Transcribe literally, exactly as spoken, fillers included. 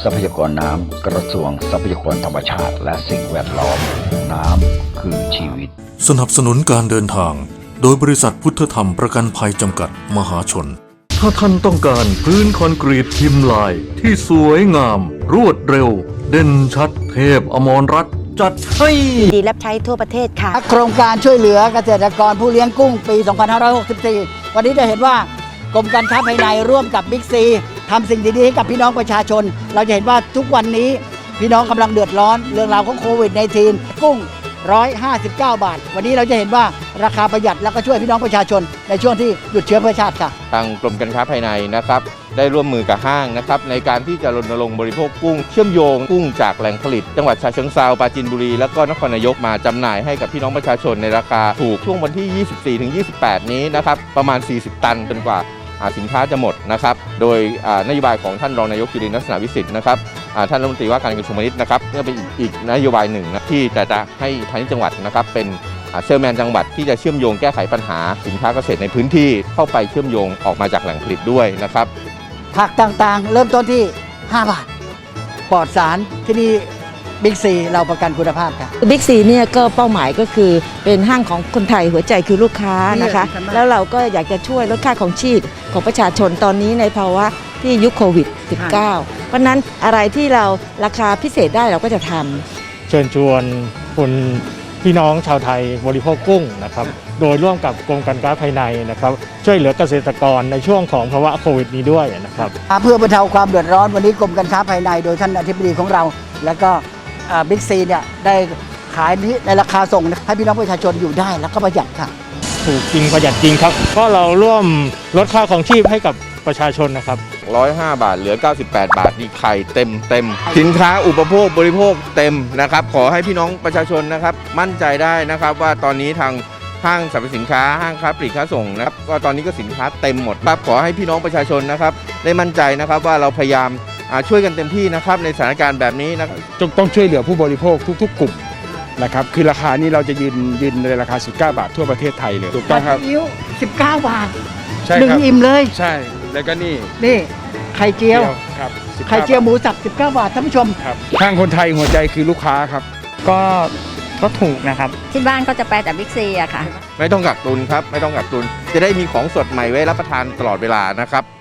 ทรัพยากรน้ำกระทรวงทรัพยากรธรรมชาติและสิ่งแวดล้อมน้ำคือชีวิตสนับสนุนการเดินทางโดยบริษัทพุทธธรรมประกันภัยจำกัดมหาชนถ้าท่านต้องการพื้นคอนกรีตพิมพ์ลายที่สวยงามรวดเร็วเด่นชัดเทพอมรรัตน์จัดให้ดีรับใช้ทั่วประเทศค่ะโครงการช่วยเหลือเกษตรกรผู้เลี้ยงกุ้งปี สองพันห้าร้อยหกสิบสี่ วันนี้จะเห็นว่ากรมการค้าภายในร่วมกับบิ๊กซีทำสิ่งดีๆให้กับพี่น้องประชาชนเราจะเห็นว่าทุกวันนี้พี่น้องกำลังเดือดร้อนเรื่องราวของโควิด สิบเก้า กุ้งหนึ่งร้อยห้าสิบเก้าบาทวันนี้เราจะเห็นว่าราคาประหยัดแล้วก็ช่วยพี่น้องประชาชนในช่วงที่หยุดเชื้อเพื่อชาติค่ะทางกรมการค้าภายในนะครับได้ร่วมมือกับห้างนะครับในการที่จะรณรงค์บริโภคกุ้งเชื่อมโยงกุ้งจากแหล่งผลิตจังหวัดฉะเชิงเทราปราจีนบุรีแล้วก็นครนายกมาจำหน่ายให้กับพี่น้องประชาชนในราคาถูกช่วงวันที่ ยี่สิบสี่ถึงยี่สิบแปด นี้นะครับประมาณ สี่สิบ ตันจนกว่าสินค้าจะหมดนะครับโดยนโยบายของท่านรองนายกจุรินทร์ลักษณะวิสิทธิ์นะครับท่านรัฐมนตรีว่าการกระทรวงพาณิชย์นะครับนี่เป็นอีกนโยบายหนึ่งนะที่จะจะให้พาณิชย์จังหวัดนะครับเป็นเซลแมนจังหวัดที่จะเชื่อมโยงแก้ไขปัญหาสินค้าเกษตรในพื้นที่เข้าไปเชื่อมโยงออกมาจากแหล่งผลิตด้วยนะครับผักต่างๆเริ่มต้นที่ห้าบาทปลอดสารที่นี่บิ๊กซีเราประกันคุณภาพค่ะบิ๊กซีเนี่ยก็เป้าหมายก็คือเป็นห้างของคนไทยหัวใจคือลูกค้านะคะแล้วเราก็อยากจะช่วยลดค่าของชีพของประชาชนตอนนี้ในภาวะที่ยุคโควิด สิบเก้า เพราะนั้นอะไรที่เราราคาพิเศษได้เราก็จะทำเชิญชวนคนพี่น้องชาวไทยบริโภคกุ้งนะครับโดยร่วมกับกรมการค้าภายในนะครับช่วยเหลือเกษตรกรในช่วงของภาวะโควิดนี้ด้วยนะครับเพื่อบรรเทาความเดือดร้อนวันนี้กรมการค้าภายในโดยท่านอธิบดีของเราแล้วก็บิ๊กซีเนี่ยได้ขายนี้ในราคาส่งให้พี่น้องประชาชนอยู่ได้แล้วก็ประหยัดค่ะถูกจริงประหยัดจริงครับก็เราร่วมลดค่าของชีพให้กับประชาชนนะครับหนึ่งร้อยห้าบาทเหลือเก้าสิบแปดบาทนี่ไข่เต็มเต็มสินค้าอุปโภคบริโภคเต็มนะครับขอให้พี่น้องประชาชนนะครับมั่นใจได้นะครับว่าตอนนี้ทางห้างสรรพสินค้าห้างค้าปลีกค้าส่งนะครับก็ตอนนี้ก็สินค้าเต็มหมดครับขอให้พี่น้องประชาชนนะครับได้มั่นใจนะครับว่าเราพยายามช่วยกันเต็มที่นะครับในสถานการณ์แบบนี้นะต้องช่วยเหลือผู้บริโภคทุกๆกลุ่มนะครับคือราคานี้เราจะยืนยืนในราคาสิบเก้าบาททั่วประเทศไทยเลยถูกต้องครับอิ๊วสิบเก้าบาทใช่หนึ่งอิ่มเลยใช่แล้วก็นี่นี่ไข่เจียวครับไข่เจียวหมูสับสิบเก้าบาทท่านผู้ชมครับห้างคนไทยหัวใจคือลูกค้าครับก็ก็ถูกนะครับที่บ้านก็จะไปแต่บิ๊กซีอะค่ะไม่ต้องกักตุนครับไม่ต้องกักตุนจะได้มีของสดใหม่ไว้รับประทานตลอดเวลานะครับ